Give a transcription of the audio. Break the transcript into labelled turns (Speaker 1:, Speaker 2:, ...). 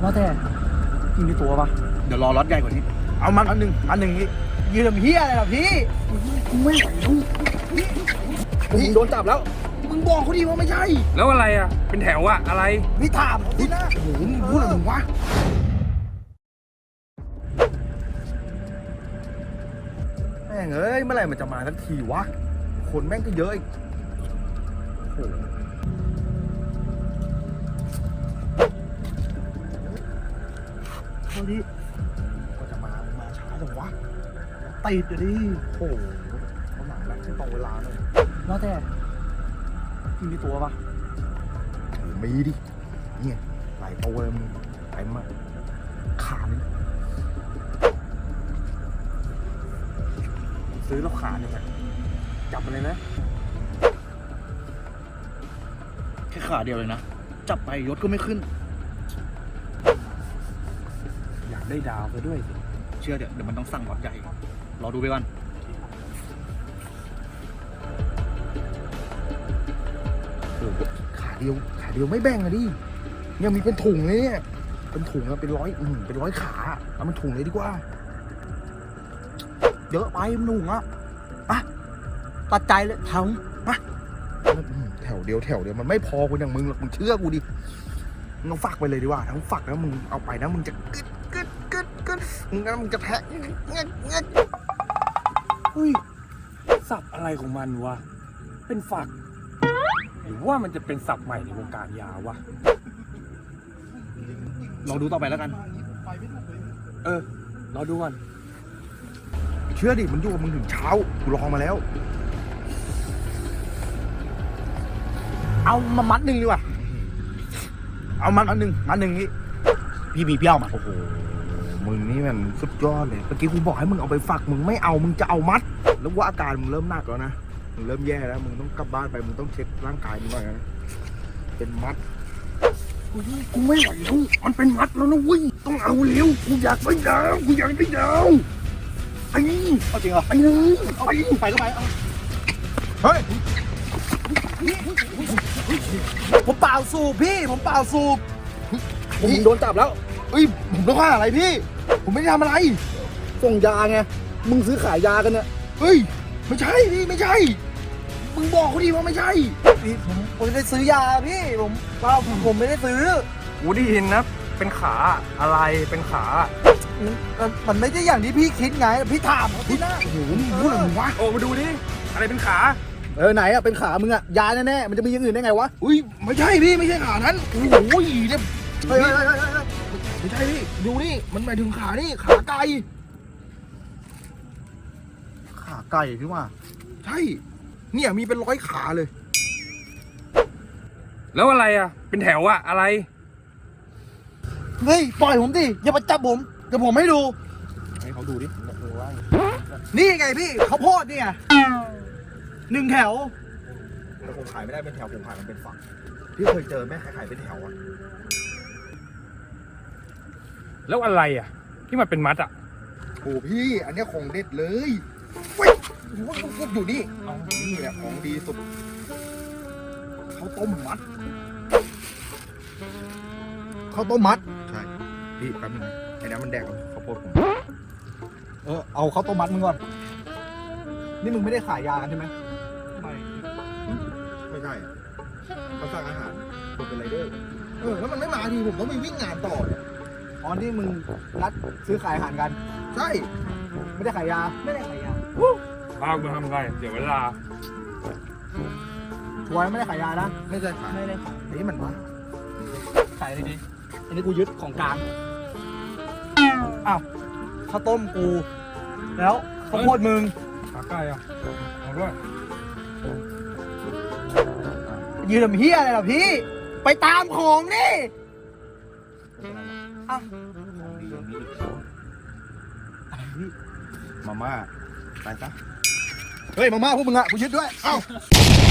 Speaker 1: ว่าแต่พี่มีตัวปะเดี๋ยวรอรถใหญ่กว่านี้เอามันอันหนึ่งนี่ยืมเฮียอะไรล่ะพี่กูไม่ไหวแล้วพี่โดนจับแล้วมึงบอกเขาดีว่าไม่ใช่
Speaker 2: แล้วอะไรอ่ะเป็นแถวอ่ะอะไร
Speaker 1: พี่ถามเขาสินะโอ้โหมึงพูดอะไรมึงวะแม่งเอ้ยเมื่อไหร่มันจะมาสักทีวะคนแม่งก็เยอะอีกโอ้โหเอาดิก็จะมาช้าจังวะติดอยู่ดิโอ้โหเขาหนังแบบไม่ตรงเวลาเลยว่าแต่พี่มีตัวปะมีดิเนี่ยหลายตัวเลยมึงไปมาขาดเลยซื้อแล้วขาดยังไงจับมันเลยนะแค่ขาเดียวเลยนะจับไปยศก็ไม่ขึ้นอยากได้ดาวไปด้วยสิเชื่อเดี๋ยวมันต้องสั่งวัดใหญ่รอดูไปก่อนขาเดียวไม่แบ่งอะดิยังมีเป็นถุงเลยเนี่ยเป็นถุงแล้วเป็นร้อยขาเอามันถุงเลยดีกว่าเยอะไปมันถุงอ่ะปะตัดใจเลยแถวปะแถวเดียวมันไม่พอกูอย่างมึงหรอกมึงเชื่อกูดิมึงเอาฝักไปเลยดีกว่าทั้งฝักแล้วมึงเอาไปนะมึงจะกึดมึงจะแทะ
Speaker 2: อุ้ยสับอะไรของมันวะเป็นฝักหรือว่ามันจะเป็นศัพท์ใหม่ในวงการยาวะ
Speaker 1: ลองดูต่อไปแล้วกัน
Speaker 2: รอดูก่อน
Speaker 1: เชื่อดิมันอยู่กับมึงถึงเช้ากูลองมาแล้วเอามามัดหนึ่งดีกว่าเอามัดอันหนึ่งนี่พี่มีเปี้ยวมาโอ้โหมึงนี่มันสุดยอดเลยเมื่อกี้กูบอกให้มึงเอาไปฝักมึงไม่เอามึงจะเอามัดแล้วว่าอาการมึงเริ่มหนักแล้วนะมึงเริ่มแย่แล้วมึงต้องกลับบ้านไปมึงต้องเช็คร่างกายมึงหน่อยนะเป็นมัดกูไม่ไหวแล้วมันเป็นมัดแล้วนะเว้ยต้องเอาเร็วกูอยากได้ดาวไอ้เอาจริงเหรอไปเลยไปก็ไปเฮ้ยผมเปล่าสูบพี่ผมโดนจับแล้วเอ้ยผมต้องฆ่าอะไรพี่ผมไม่ได้ทำอะไรส่งยาไงมึงซื้อขายยากันเนี่ยเฮ้ยไม่ใช่พี่ไม่ใช่มึงบอกเขาดีว่าไม่ใช่พี่ผมไม่ได้ซื้อยาพี่ผมไม่ได้ซื้อ
Speaker 2: กูได้ยินนะเป็นขาอะไรเป็นขา
Speaker 1: มันไม่ใช่อย่างที่พี่คิดไงพี่ถามเขาที่หน้าโอ้โหมึงพูดอะไรมึงวะ
Speaker 2: โอ้มาดูดิอะไรเป็นขา
Speaker 1: ไหนอะเป็นขามึงอะยาแน่ๆมันจะมีอย่างอื่นได้ไงวะอุ้ยไม่ใช่พี่ไม่ใช่ขานั้นโอ้โหเนี่ยเฮ้ยไม่ใช่พี่ดูนี่มันหมายถึงขานี่ขาไก่พี่ว่าใช่เนี่ยมีเป็น100ขาเลย
Speaker 2: แล้วอะไรอ่ะเป็นแถวอ่ะอะไร
Speaker 1: เฮ้ยปล่อยผมดิอย่ามาจับผมเดี๋ยวผมให้ดูให้เขาดูดินี่ไงพี่เขาโพดเนี่ย1 แถวแต่ผมขายไม่ได้เป็นแถวผมขายมันเป็นฝักพี่เคยเจอแม่ขายเป็นแถวอะ
Speaker 2: แล้วอะไรอ่ะที่มันเป็นมัดอ่ะ
Speaker 1: โอ้พี่อันนี้ของเด็ดเลยเว้ยอยู่นี่นี่แหละของดีสุดข้าวต้มมัดใช่พี่แป๊บนึงไอ้น้ำมันแดกข้าวโพดผมเอาข้าวต้มมัดมึงก่อนนี่มึงไม่ได้ขายยากันใช่ไหมไม่ใช่เขาสั่งอาหารคนเป็นไรเดอร์แล้วมันไม่มาทีผมต้องไปวิ่งงานต่อเนี่ยอ๋อนี่มึงนัดซื้อขายอาหารกันใช่ไม่ได้ขายยา
Speaker 2: บ้ามึงทำไงเดี๋ยวเวลา
Speaker 1: ชัวร์ไม่ได้ขายยานะไม่ได้ขายนี่มันมาขายอะไรดีอันนี้กูยึดของกลางอ้าวข้าวต้มกูแล้วข้าวโพดมึง
Speaker 2: ขาไก่อ่ะเอาด้วย
Speaker 1: ยืนทำเฮียอะไรล่ะพี่ไปตามของนี่อ้าวมาม่าไปซะเฮ้ยมาม่าพวกมึงอะกูยึดด้วยเอ้า